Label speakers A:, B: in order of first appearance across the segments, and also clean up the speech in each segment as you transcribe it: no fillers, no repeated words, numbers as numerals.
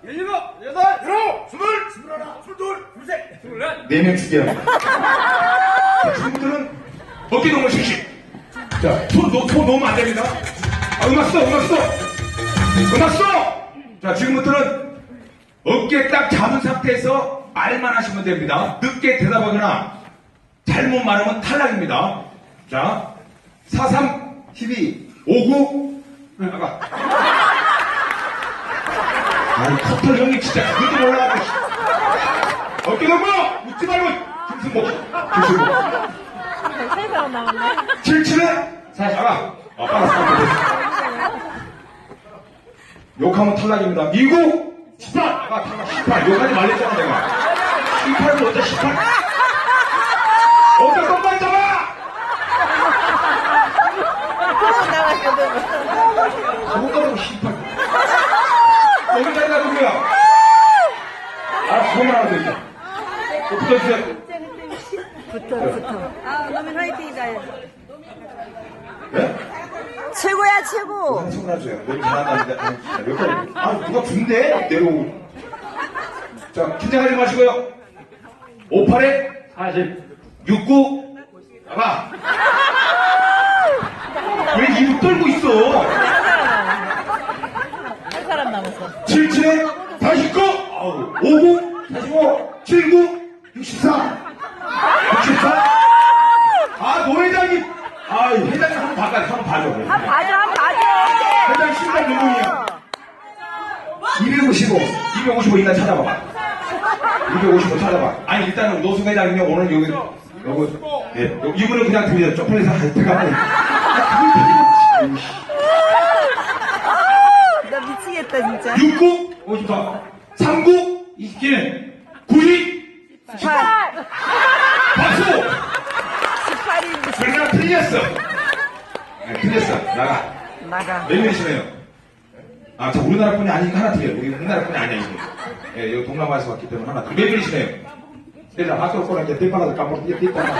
A: 17, 18, 19, 20, 21, 22, 23, 24.
B: 4명 죽여야 돼. 지금부터는 어깨동무 실시. 자, 손 놓으면 안 됩니다. 아, 음악 써. 자, 지금부터는 어깨 딱 잡은 상태에서 말만 하시면 됩니다. 늦게 대답하거나 잘못 말하면 탈락입니다. 자, 43, 12, 59, 나가. 아이, 커털 형님 진짜 그것도 몰라가지고. 어깨 넘어! 웃지 말고! 김승복.
C: 세 사람 남았네.
B: 77에? 자, 나가. 빨리. 욕하면 탈락입니다. 미국! 18! 나가, 탈락. 18. 욕하지 말랬잖아, 내가. 18은 어째 18? 어깨 똑바로 잡아! 저거 가지고 18. 여기까지 가도 돼요. 그거만 하면 되죠. 붙어주세요.
C: 붙어.
D: 아, 너무 화이팅이다.
B: 네?
D: 최고야, 최고.
B: 한 손 놔줘요. 너무 잘한다는데. 여기까지. 누가 준대? 내려오고. 자, 긴장하지 마시고요. 58에 40. 69. 나가. 왜 입을 떨고 있어?
C: 한 사람 남았어.
B: 77에 49. 50. 45. 79. 64. 64. 노회장님. 회장님 한번 봐줘. 회장 신발 몇 분이야? 255 일단 찾아봐봐. 255 찾아봐. 아니, 일단은 노수 회장님이 오늘 여기, 이분은 그냥 드려. 쪽팔려서 들어가고.
D: 나 미치겠다, 진짜.
B: 69, 54, 39, 27, 92,
D: 18.
B: 박수!
D: 18인
B: 그러나 틀렸어. 틀렸어. 나가.
D: 나가.
B: 몇 명이시네요? 자, 우리나라 분이 아니니까 하나 틀려요. 우리나라 분이 아니야, 이거. 여기 동남아에서 왔기 때문에 하나 틀려. 몇 명이시네요? 내가 학교 거라 이제 뒷바닥을 까먹고 뒷바닥.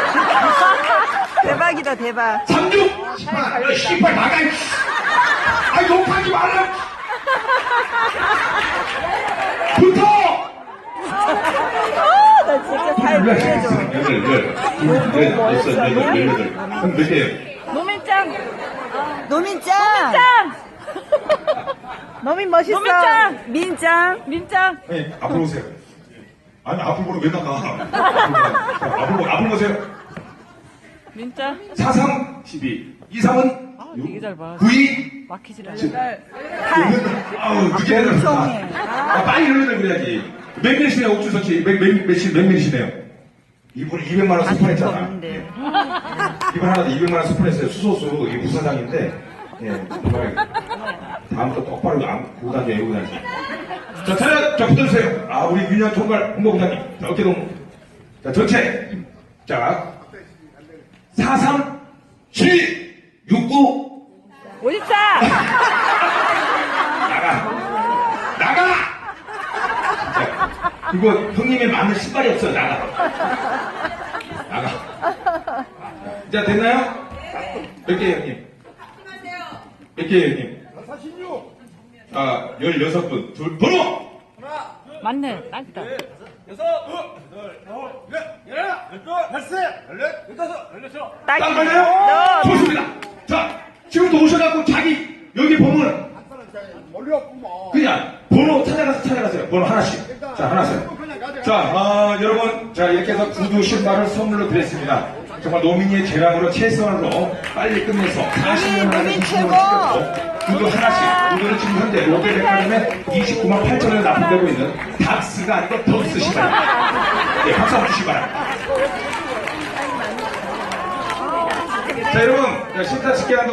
D: 대박이다, 대박.
B: 36! 18! 씨발, 나가! 욕하지 말라! 붙어!
D: 나 진짜 살 보내줘.
B: 그럼 몇 개예요?
C: 노민짱.
D: 노민짱. 노민 멋있어.
C: 노민짱.
D: 민짱.
C: 민짱.
B: 네, 앞으로 오세요. 아니, 앞으로 보면 왜 나가? 앞으로 보세요.
C: 민짱.
B: 43, 12. 23은
C: 되게 잘 봐.
B: 92.
C: 막히질 않아.
B: 늦게 해놨다. 빨리 흘러내 그래야지. 몇 명이시네요, 옥주석 씨? 몇 명이시네요? 이분 200만원 수판했잖아.
D: 없는데.
B: 이분 하나 200만원 수판했어요. 수소수, 이게 부사장인데, 정말, 다음부터 똑바로 보고 다녀, 외우고 다녀. 자, 자, 붙어주세요. 우리 윤현 총괄 홍보부장님. 자, 어깨동. 자, 전체. 자, 43, 7, 69.
C: 54.
B: 나가! 이거 형님의 맞는 신발이 없어. 나가. 자, 됐나요? 몇 개예요, 형님? 몇 개예요, 형님? 46. 16분. 번호!
C: 맞네. 딱이다.
A: 6, 15,
B: 딱 맞아요? 좋습니다. 자, 지금부터 오셔갖고 자기 여기 보면 그냥 번호 찾아가세요. 번호 하나씩. 자, 하나씩. 자, 여러분, 자, 이렇게 해서 구두 신발을 선물로 드렸습니다. 정말 노민이의 재량으로 최선으로 빨리 끝내서 40년 안에
D: 노민
B: 20년
D: 최고!
B: 찍었고 구두 하나씩. 구두는 지금 현재 롯데백화점에 29만 8천원에 납품되고 있는 닥스가 아니고 덕스 신발입니다. 네, 박수 한번 주시기 바랍니다. 자, 여러분, 신타스케